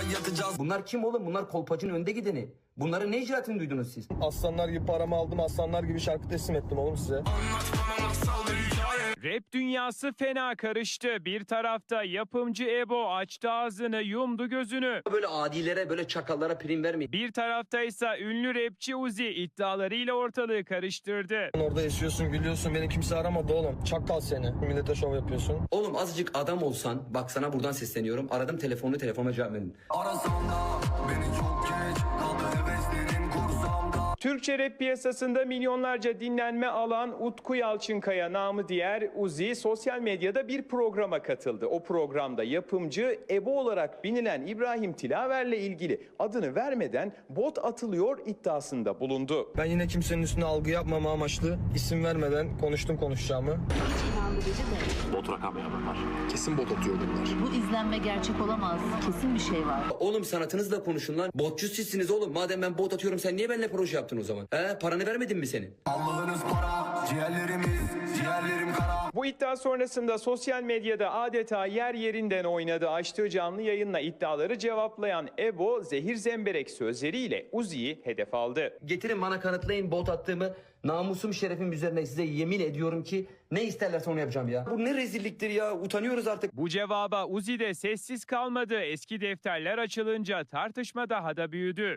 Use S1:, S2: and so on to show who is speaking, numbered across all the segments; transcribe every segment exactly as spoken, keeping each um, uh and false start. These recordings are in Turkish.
S1: yatacağız. Bunlar kim oğlum? Bunlar kolpacının önde gideni. Bunların ne icraatını duydunuz siz?
S2: Aslanlar gibi paramı aldım, aslanlar gibi şarkı teslim ettim oğlum size.
S3: Rap dünyası fena karıştı. Bir tarafta yapımcı Ebo açtı ağzını, yumdu gözünü.
S1: Böyle adilere, böyle çakallara prim vermeyin.
S3: Bir tarafta ise ünlü rapçi Uzi iddialarıyla ortalığı karıştırdı.
S2: Orada yaşıyorsun, gülüyorsun, beni kimse aramadı oğlum. Çakal seni. Millete şov yapıyorsun.
S1: Oğlum azıcık adam olsan, bak sana buradan sesleniyorum. Aradım telefonunu, telefonuma cevap verin.
S4: Arasam da beni çok geç kaldı heveslerin kursamda.
S3: Türkçe rap piyasasında milyonlarca dinlenme alan Utku Yalçınkaya namı diğer Uzi sosyal medyada bir programa katıldı. O programda yapımcı Ebo olarak bilinen İbrahim Tilaver'le ilgili adını vermeden bot atılıyor iddiasında bulundu.
S2: Ben yine kimsenin üstüne algı yapmama amaçlı isim vermeden konuştum konuşacağımı.
S5: Hiç inandırıcı değil.
S6: Bot rakam yapar.
S7: Kesin bot atıyor bunlar.
S5: Bu izlenme gerçek olamaz. Kesin bir şey var.
S1: Oğlum sanatınızla konuşun lan. Botçu sizsiniz oğlum. Madem ben bot atıyorum sen niye benimle proje yaptın o zaman? He, paranı vermedin mi senin?
S4: Allah'ınız para, ciğerlerimiz, ciğerlerim kara.
S3: Bu iddia sonrasında sosyal medyada adeta yer yerinden oynadı. Açtığı canlı yayınla iddiaları cevaplayan Ebo zehir zemberek sözleriyle Uzi'yi hedef aldı.
S1: Getirin bana kanıtlayın bot attığımı. Namusum şerefim üzerine size yemin ediyorum ki ne isterlerse onu yapacağım ya. Bu ne rezilliktir ya, utanıyoruz artık.
S3: Bu cevaba Uzi de sessiz kalmadı. Eski defterler açılınca tartışma daha da büyüdü.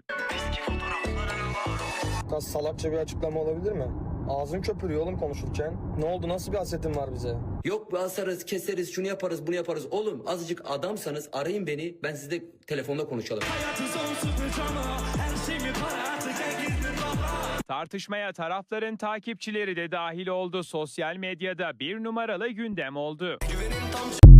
S2: Kas salakça bir açıklama olabilir mi? Ağzın köpürüyor oğlum konuşurken. Ne oldu, nasıl bir hasetin var bize?
S1: Yok asarız, keseriz, şunu yaparız, bunu yaparız. Oğlum azıcık adamsanız arayın beni, ben sizle telefonda konuşalım.
S3: Tartışmaya tarafların takipçileri de dahil oldu. Sosyal medyada bir numaralı gündem oldu.
S4: Güvenin tam